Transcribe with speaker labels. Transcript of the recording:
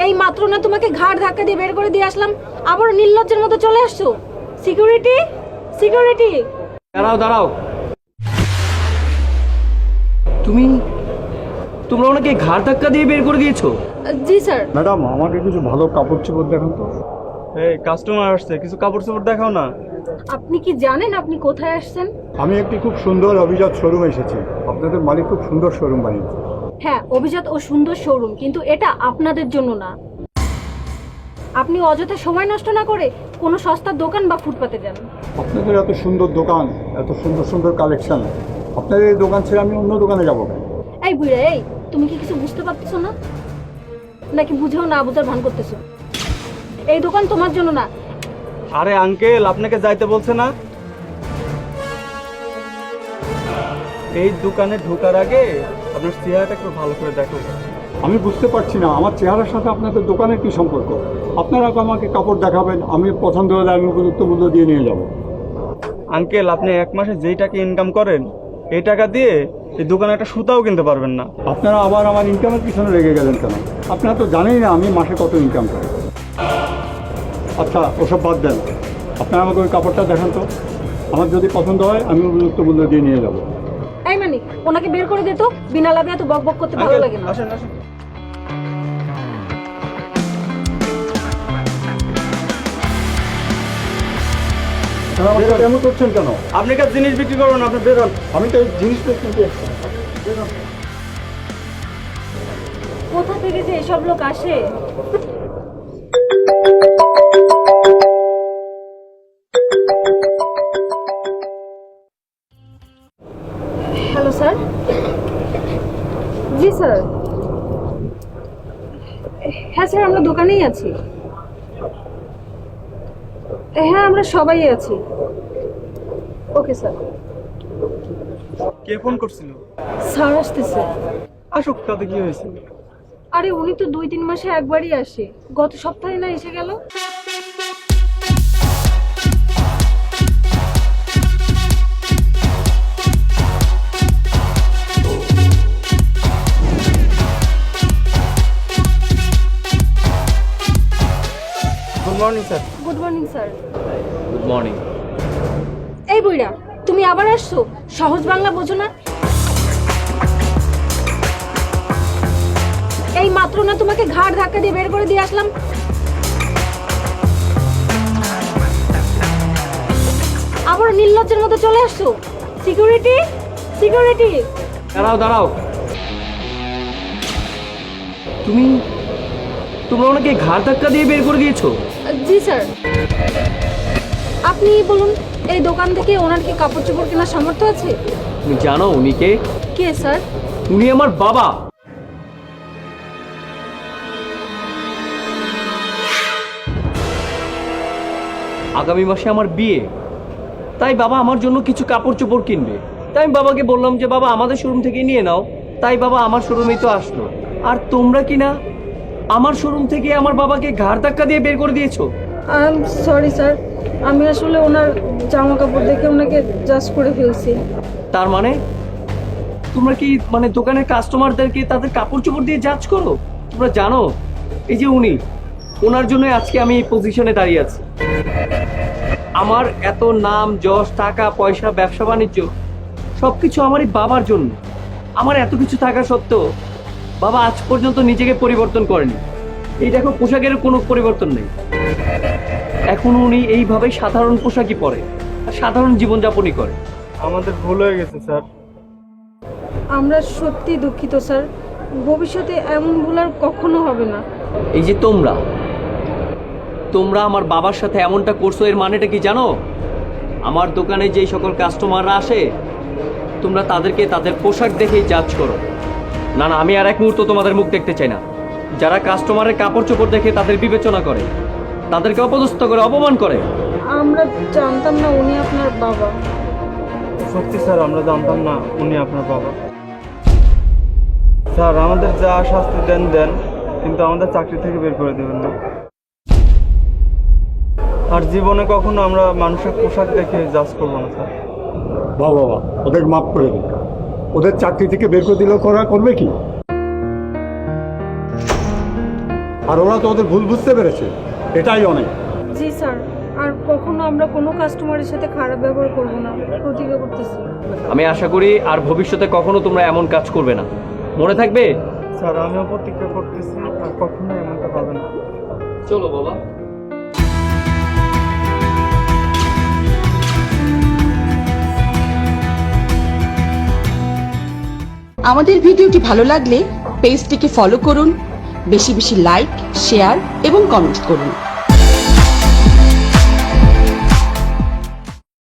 Speaker 1: এই মাত্র না তোমাকে ঘাড় ধাক্কা দিয়ে বের করে দিয়ে আসলাম, আবার নির্লজ্জের মতো চলে আসছো। Security, security!
Speaker 2: দাঁড়াও দাঁড়াও, তোমরা ওনাকে ঘাড় ধাক্কা দিয়ে বের করে দিয়েছো?
Speaker 1: জি স্যার।
Speaker 3: ম্যাডাম, আমাকে কিছু ভালো কাপড় চোপড় দেখান তো।
Speaker 4: এই কাস্টমার আসছে, কিছু কাপড় চোপড় দেখাও না।
Speaker 1: আপনি কি জানেন আপনি কোথায় আসছেন?
Speaker 3: আমি একটি খুব সুন্দর অভিজাত শোরুম এসেছি। আপনাদের মালিক খুব সুন্দর শোরুম বানিয়েছে।
Speaker 1: হ্যাঁ, অভিজাত ও সুন্দর শোরুম, কিন্তু এটা আপনাদের জন্য না। আপনি অযথা সময় নষ্ট না করে কোনো সস্তার দোকান বা ফুটপাতে যান।
Speaker 3: আপনাদের এত সুন্দর দোকান, এত সুন্দর সুন্দর কালেকশন, আপনাদের এই দোকান ছেড়ে আমি অন্য দোকানে যাবো কেন?
Speaker 1: এই বুড়া, এই তুমি কি কিছু বুঝতে পারতেছো না, নাকি বুঝেও না বুঝার ভান করতেছো? এই দোকান তোমার জন্য না।
Speaker 4: আরে আঙ্কেল, আপনাকে যাইতে বলছে না? এই দোকানে ঢোকার আগে আপনার চেহারাটা একটু ভালো করে দেখো।
Speaker 3: আমি বুঝতে পারছি না আমার চেহারার সাথে আপনাদের দোকানের কি সম্পর্ক। আপনারা আমাকে কাপড় দেখাবেন, আমি পছন্দ হলে আমি উপযুক্ত মূল্য দিয়ে নিয়ে যাব।
Speaker 4: আঙ্কেল, আপনি এক মাসে যেই টাকা ইনকাম করেন এই টাকা দিয়ে এই দোকানে একটা সুতাও কিনতে পারবেন না।
Speaker 3: আপনারা আবার আমার ইনকামের পিছনে লেগে গেলেন কেন? আপনারা তো জানেই না আমি মাসে কত ইনকাম করি। আচ্ছা, ওসব বাদ দেন, আপনারা আমাকে ওই কাপড়টা দেখান তো। আমার যদি পছন্দ হয় আমি উপযুক্ত মূল্য দিয়ে নিয়ে যাব।
Speaker 1: এই মানিক, ওনাকে বের করে দে তো, বিনা লাভে এত বক বক করতে ভালো
Speaker 4: আঙ্কেল,
Speaker 1: লাগে না।
Speaker 4: আসেন আসেন।
Speaker 3: আপনারা আমাকে কেমন করছেন কেন?
Speaker 4: আপনি কাজ জিনিস বিক্রি করবেন, আপনি বেরোন।
Speaker 3: আমি তো এই জিনিসটা কিনতে এসেছি।
Speaker 1: কোথা থেকে যে এসব লোক আসে? Hello sir. জি স্যার। হ্যাঁ স্যার, আমরা দোকানেই আছি। হ্যাঁ, আমরা সবাই আছি। Okay sir.
Speaker 4: কে ফোন করছিল?
Speaker 1: স্যার আসতেছে।
Speaker 4: আসুক, তাতে কি হয়েছে?
Speaker 1: আরে উনি তো 2-3 মাসে একবারই আসে, গত সপ্তাহে না এসে গেল।
Speaker 4: Good morning sir.
Speaker 1: Good morning sir.
Speaker 2: Good morning.
Speaker 1: এই বুইড়া, তুমি আবার আসছো? সহজ বাংলা বোঝো না? এই মাত্র না তোমাকে ঘাড় ধাক্কা দিয়ে বের করে দিয়ে আসলাম, আবার নির্লজ্জের মতো চলে আসছো। Security, security!
Speaker 2: দাঁড়াও দাঁড়াও, তোমরা ওনাকে ঘাড় ধাক্কা দিয়ে বের করে দিয়েছো?
Speaker 1: জি স্যার। আপনি বলুন, এই দোকান থেকে ওনার কি কাপড় চোপড় কেনার সামর্থ্য আছে?
Speaker 2: তুমি জানো উনি কে?
Speaker 1: কে স্যার?
Speaker 2: উনি আমার বাবা। আগামী মাসে আমার বিয়ে, তাই বাবা আমার জন্য কিছু কাপড় চোপড় কিনবে। তাই আমি বাবাকে বললাম যে বাবা আমাদের শোরুম থেকে নিয়ে নাও। তাই বাবা আমার শোরুমেই তো আসলো। আর তোমরা কি না আমার শোরুম থেকে আমার বাবাকে ঘাড় ধাক্কা দিয়ে বের করে দিয়েছো?
Speaker 1: সরি স্যার, আমি আসলে ওনার জামা কাপড় দেখে ওনাকে জাজ করে ফেলছি।
Speaker 2: তার মানে তোমরা কি দোকানের কাস্টমারদেরকে তাদের কাপড় চোপড় দিয়ে জাজ করো? তোমরা জানো এই যে উনি, ওনার জন্য আজকে আমি এই পজিশনে দাঁড়িয়ে আছি। আমার এত নাম যশ, টাকা পয়সা, ব্যবসা বাণিজ্য সবকিছু আমার এই বাবার জন্য। আমার এত কিছু থাকা সত্ত্বেও বাবা আজ পর্যন্ত নিজেকে পরিবর্তন করেনি। এই দেখো, পোশাকের কোনো পরিবর্তন নেই। এখন উনি এইভাবে সাধারণ পোশাকই পরে আর সাধারণ জীবনযাপনই করে।
Speaker 4: আমাদের ভুল হয়ে গেছে স্যার।
Speaker 1: আমরা সত্যি দুঃখিত স্যার, ভবিষ্যতে এমন ভুল আর কখনো হবে না।
Speaker 2: এই যে তোমরা আমার বাবার সাথে এমনটা করছো, এর মানেটা কি জানো? আমার দোকানে যেই সকল কাস্টমাররা আসে তোমরা তাদেরকে তাদের পোশাক দেখেই জাজ করো। না না, আমি আর এক মুহূর্ত তোমাদের মুখ দেখতে চাই না। যারা কাস্টমারের কাপড় চোপড় দেখে তাদের বিবেচনা করে, তাদেরকে অপদস্থ করে, অপমান করে।
Speaker 1: আমরা জানতাম না উনি আপনার বাবা।
Speaker 4: সত্যি স্যার, আমরা জানতাম না উনি আপনার বাবা। স্যার, আমাদের যা শাস্তি দেন দেন, কিন্তু আমাদের চাকরি থেকে বের করে দেবেন না। আর জীবনে কখনো আমরা মানুষের পোশাক দেখে জাজ করবো না স্যার।
Speaker 3: বাবা, ওদের মাফ করে দিন। ওদের চাকরি থেকে বের করে দিলেও করবে কি? আর ওরা তো ওদের ভুল বুঝতে পেরেছে, এটাই অনেক।
Speaker 1: জি স্যার, আর কখনো আমরা কোনো কাস্টমারের সাথে খারাপ ব্যবহার করব না, প্রতিজ্ঞা করতেছি।
Speaker 2: আমি আশা করি আর ভবিষ্যতে কখনো তোমরা এমন কাজ করবে না। মনে থাকবে?
Speaker 4: স্যার আমিও প্রতিজ্ঞা করতেছি আর কখনোই এমনটা হবে না।
Speaker 2: চলো বাবা।
Speaker 5: আমাদের ভিডিওটি ভালো লাগলে পেজটিকে ফলো করুন, বেশি বেশি লাইক, শেয়ার এবং কমেন্ট করুন।